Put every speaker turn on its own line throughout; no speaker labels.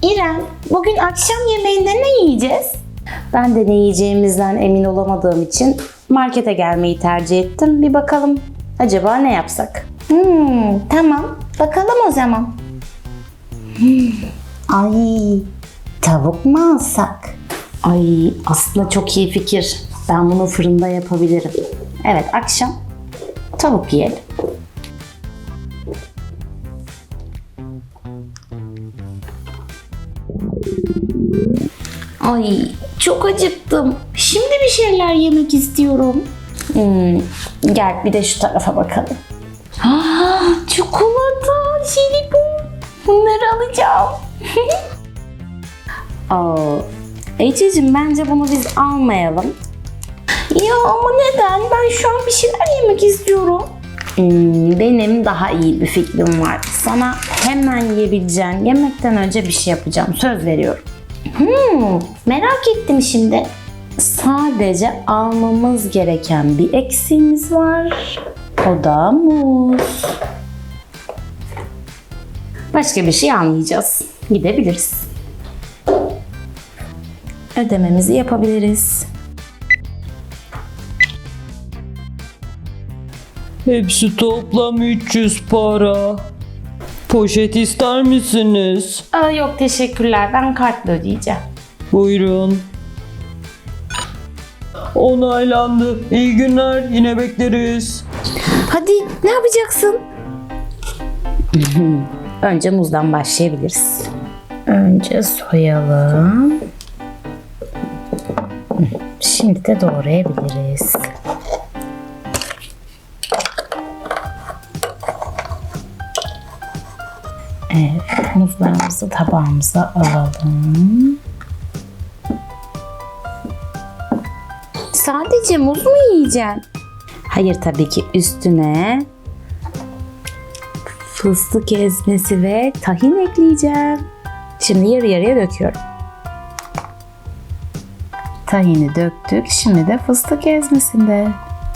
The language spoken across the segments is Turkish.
İrem, bugün akşam yemeğinde ne yiyeceğiz?
Ben de ne yiyeceğimizden emin olamadığım için markete gelmeyi tercih ettim. Bir bakalım acaba ne yapsak?
Tamam. Bakalım o zaman.
Ay, tavuk mu alsak? Ay, aslında çok iyi fikir. Ben bunu fırında yapabilirim. Evet, akşam tavuk yiyelim.
Ay, çok acıktım. Şimdi bir şeyler yemek istiyorum.
Gel bir de şu tarafa bakalım.
Çikolata, jelibon. Bunları alacağım.
Ececiğim bence bunu biz almayalım.
Ya ama neden? Ben şu an bir şeyler yemek istiyorum.
Benim daha iyi bir fikrim var. Sana hemen yiyebileceğin yemekten önce bir şey yapacağım. Söz veriyorum.
Merak ettim şimdi.
Sadece almamız gereken bir eksiğimiz var. O da muz. Başka bir şey almayacağız. Gidebiliriz. Ödememizi yapabiliriz.
Hepsi toplam 300 para. Poşet ister misiniz?
Yok teşekkürler. Ben kartla ödeyeceğim.
Buyurun. Onaylandı. İyi günler. Yine bekleriz.
Hadi ne yapacaksın?
Önce muzdan başlayabiliriz. Önce soyalım. Şimdi de doğrayabiliriz. Evet, muzlarımızı tabağımıza alalım.
Sadece muz mu yiyeceksin?
Hayır tabii ki üstüne fıstık ezmesi ve tahin ekleyeceğim. Şimdi yarı yarıya döküyorum. Tahini döktük. Şimdi de fıstık ezmesinde.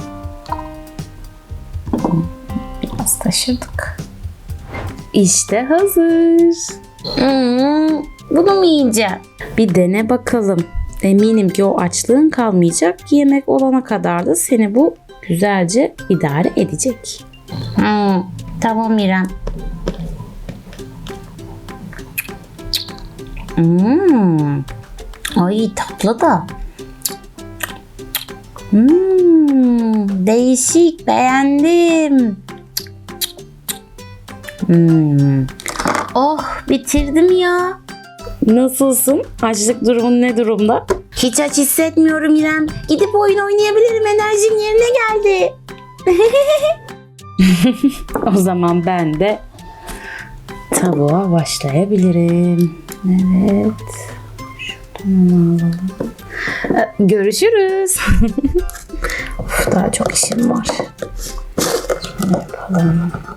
Biraz taşırdık. İşte hazır.
Bunu mu yiyeceksin?
Bir dene bakalım. Eminim ki o açlığın kalmayacak. Yemek olana kadar da seni bu güzelce idare edecek.
Tamam İrem.
Ay tatlı da.
Değişik, beğendim. Oh, bitirdim ya.
Nasılsın? Açlık durumun ne durumda?
Hiç aç hissetmiyorum İrem. Gidip oyun oynayabilirim. Enerjim yerine geldi.
O zaman ben de tavuğa başlayabilirim. Evet. Şuradan onu alalım. Görüşürüz. Of, daha çok işim var. Şöyle yapalım.